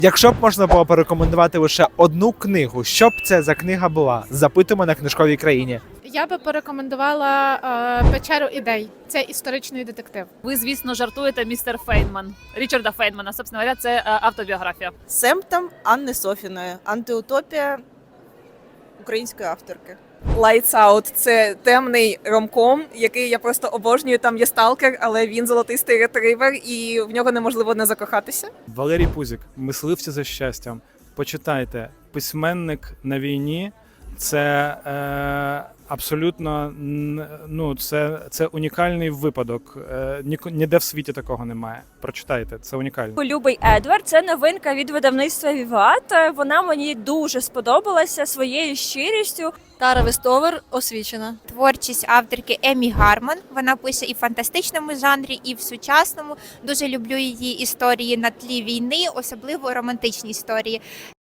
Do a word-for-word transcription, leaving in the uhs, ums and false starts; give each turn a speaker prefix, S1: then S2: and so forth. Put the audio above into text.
S1: Якщо б можна було порекомендувати лише одну книгу, що б це за книга була? Запитуємо на книжковій країні.
S2: Я би порекомендувала е, печеру ідей. Це історичний детектив.
S3: Ви, звісно, жартуєте, містер Фейнман. Річарда Фейнмана, собственно говоря, це е, автобіографія.
S4: Семптом Анни Софіної. Антиутопія української авторки.
S5: Lights Out – це темний ромком, який я просто обожнюю. Там є сталкер, але він золотистий ретривер, і в нього неможливо не закохатися.
S6: Валерій Пузик, мисливці за щастям. Почитайте, письменник на війні. Це е, абсолютно н- ну, це, це унікальний випадок. Е, ні, ніде в світі такого немає. Прочитайте, це унікально.
S7: Любий Едвард – це новинка від видавництва Віват. Вона мені дуже сподобалася своєю щирістю.
S8: Тара Вестовер освічена.
S9: Творчість авторки Емі Гармон. Вона пише і в фантастичному жанрі, і в сучасному. Дуже люблю її історії на тлі війни, особливо романтичні історії.